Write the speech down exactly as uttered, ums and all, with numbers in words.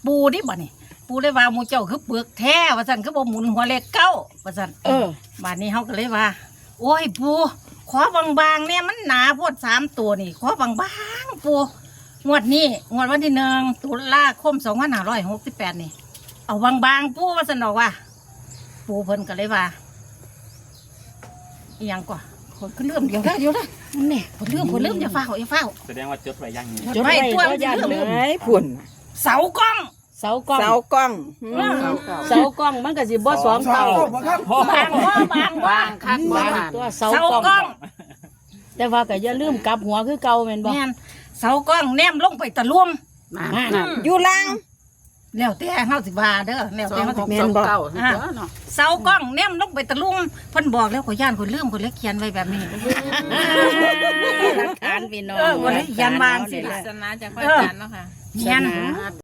ปูดิบ่นี่ปูเลยว่าหมู่เจ้าคือเปลือกแท้ว่าซั่นคือบ่หมุนหัวเลขเก้าว่าซั่นเออบัดนี้เฮาก็เลยว่า โอ้ยปูขอบางๆเนี่ยมันหนาโพดสามตัวนี่ขอบางๆปูงวดนี้งวดวันที่หนึ่งตุลาคมสองพันห้าร้อยหกสิบแปดนี่เอาบางๆปูว่าซั่นดอกว่า ปูเพิ่นก็เลยว่าอีหยังกว่าคนก็เริ่มเดี๋ยวได้เดี๋ยวได้มันนี่คนเริ่มคนเริ่มอย่าฟ้าวอย่าฟ้าวแสดงว่าจดไว้ยังนี่จดไว้ตัวก็ย่านเริ่มเลไอ้ยพุ่นเสากล้องเสากล้องเสากล้องอืมเสากล้องมันก็สิบ่สองเท่าบางว่าบางว่าคักบ่บางบานตัวเสาเสากล้องกล้องแต่ว่าก็อย่าลืมกลับหัวคือเก่าแม่นบ่แม่นเสากล้องแนมลงไปตะลุ่มนั่นนั่นอยู่ล่างแล้วแต่เฮาสิว่าเด้อแล้วสอแต่งเฮาหสิกสองเก้าสิตัวเนาะเสากล้องแนมลงไปตะลุ่มเพิ่นบอกแล้วก็ย่านคนลืมคนเลยเขียนไว้แบบนี้หลักฐานพี่น้องเออวันนี้ยันวางสิหลักล่ะฐานศาสนาจากพระอาจารย์เนาะค่ะแม่นศาสนา